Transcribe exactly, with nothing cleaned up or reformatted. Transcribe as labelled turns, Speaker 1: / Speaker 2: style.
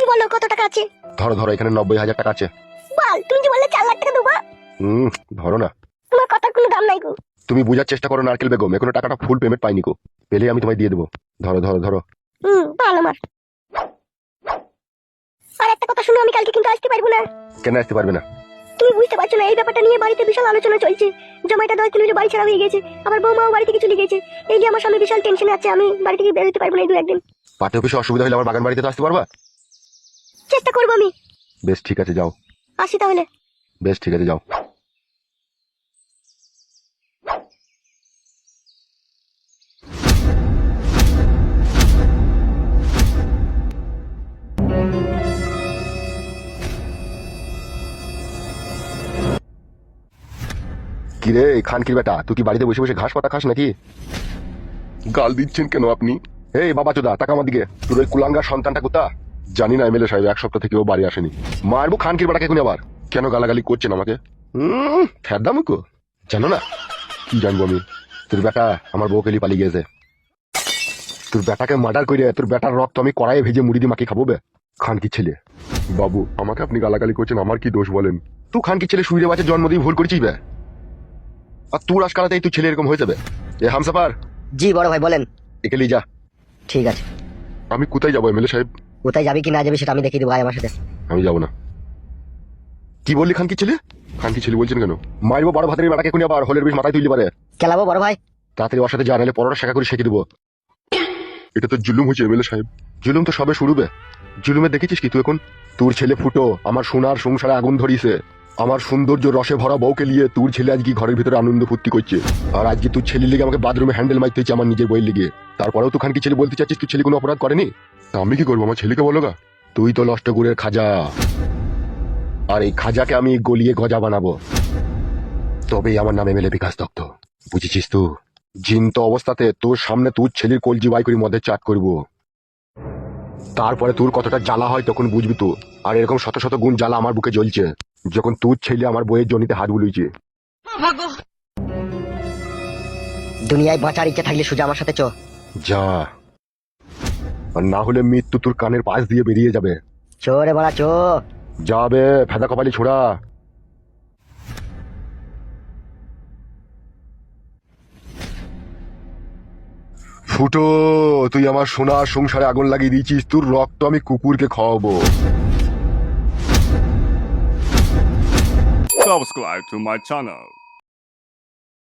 Speaker 1: তুমি বলো কত টাকা আছে?
Speaker 2: ধরো ধরো, এখানে নব্বই হাজার টাকা আছে।
Speaker 1: বল, তুমি যে বললে চার লাখ টাকা দেবো।
Speaker 2: হুম, ধরো না।
Speaker 1: তোমার কথার কোনো দাম নাই গো।
Speaker 2: তুমি বোঝার চেষ্টা করো নারকেল বেগম, এখনো টাকাটা ফুল পেমেন্ট পাইনি গো। পেলে আমি তোমায় দিয়ে দেবো। ধরো ধরো ধরো।
Speaker 1: হুম, ভালো আমার। আর একটা কথা শুনো, আমি কালকে কিন্তু আসতে পারবো না।
Speaker 2: কেন আসতে পারবে না?
Speaker 1: তুমি বুঝতে পারছো না, এই ব্যাপারটা নিয়ে বাড়িতে বিশাল আলোচনা চলছে। জামাইটা দশ দিন হলো বাড়ি ছাড়া হয়ে গেছে, আবার বৌমাও বাড়ি থেকে চলে গেছে। এই যে আমার স্বামী বিশাল টেনশনে আছে, আমি বাড়ি থেকে বের হতে পারবো না এই দু একদিন।
Speaker 2: পার্টি অফিসে অসুবিধা হলে আমার বাগান বাড়িতে তো আসতে পারবা?
Speaker 1: চেষ্টা করবো আমি।
Speaker 2: বেশ ঠিক আছে, যাও।
Speaker 1: আসি তাহলে।
Speaker 2: বেশ ঠিক আছে, যাও। কিরে খানকির বেটা, তুই কি বাড়িতে বসে বসে ঘাস পাতা খাস নাকি? গাল দিচ্ছেন কেন আপনি? এই বাবা চোদা, টাকা আমার দিকে। তোর ওই কুলাঙ্গার সন্তানটা কোথা? জানি না এমএলএ সাহেব, এক সপ্তাহ থেকে ও বাড়ি আসেনি। মারবো খানকির বেটাকে এখন আবার। কেন গালাগালি করছেন আমাকে? হুম, ফেরদামুকো জানো না? কি জানবো আমি? তোর বেটা আমার বউকে নিয়ে পালিয়ে গেছে। তোর বেটাকে মার্ডার করে তোর বেটার রক্ত আমি কড়াইয়ে ভেজে মুড়ি দিয়ে মাকে খাবো বে। খানকির ছেলে। বাবু আমাকে আপনি গালাগালি করছেন, আমার কি দোষ বলেন? তুই খানকির ছেলে শুইরে বাচ্চা জন্ম দিয়ে ভুল করেছিস বে। আর তুই আজকালাতেই তুই ছেলে এরকম হয়ে যাবে। এ হামসাফার।
Speaker 3: জি বড় ভাই বলেন।
Speaker 2: একে নিয়ে যা।
Speaker 3: ঠিক আছে।
Speaker 2: আমি কোথায় যাবো এমএলএ সাহেব?
Speaker 3: কোথায় যাবি কি না যাবি সেটা আমি দেখিয়ে দেবো, ভাই আমার সাথে।
Speaker 2: আমি যাবো না। কি বললি খানকি ছেলে? খানকি ছেলে বলছেন কেন? মারবো বড় ভাতের বেটাকে কোনি আবার হলের বিষ মাথায় তুলতে পারে।
Speaker 3: খেলাবো বড় ভাই।
Speaker 2: তাড়াতাড়ি ওর সাথে যা, নাহলে পরোটা শেখা করে শেখে দেবো। এটা তো জুলুম হচ্ছে এমএলএ সাহেব। জুলুম তো সবে শুরু বে। জুলুমে দেখেছিস কি তুই এখন? তোর ছেলে ফুটো আমার সোনার সংসারে আগুন ধরিয়েছে। আমার সৌন্দর্য রসে ভরা বউকে নিয়ে তোর ছেলে আজকে ঘরের ভিতরে আনন্দ ফুর্তি করছে। আর আজকে তোর ছেলের লিগে আমাকে বাথরুমে হ্যান্ডেল মারতে হচ্ছে আমার নিজের বইয়ের লিগে। তারপরেও তুই খানকি ছেলে বলতে চাচ্ছিস তুই ছেলে কোনো অপরাধ করেনি? তা আমি কি করবো? আমার ছেলেকে বলো গা। তুই তো নষ্ট গুড়ের খাজা, আর এই খাজাকে আমি গলিয়ে গজা বানাবো। তবেই আমার নাম এমএলএ বিকাশ দত্ত, বুঝেছিস? তো জিন্ত অবস্থাতে তোর সামনে তোর ছেলের কলজি বাই করে মধ্যে চাট করব। তারপরে তোর কতটা জ্বালা হয় তখন বুঝবি তো। আর এরকম শত শত গুণ জ্বালা আমার বুকে জ্বলছে যখন তোর ছেলে আমার বইয়ের জনিতে হাত বুলিয়েছে।
Speaker 3: দুনিয়ায় বাঁচার ইচ্ছা থাকলে সোজা আমার সাথে চ।
Speaker 2: যা, আর না হলে মৃত্যু তোর কানের পাশ দিয়ে বেরিয়ে যাবে।
Speaker 3: চো রে বড়া চো।
Speaker 2: যাবে ফেদা কপালি ছোড়া। ফুটো, তুই আমার সোনার সংসারে আগুন লাগিয়ে দিয়েছিস, তোর রক্ত আমি কুকুরকে খাওয়াবো।
Speaker 4: Subscribe to my channel.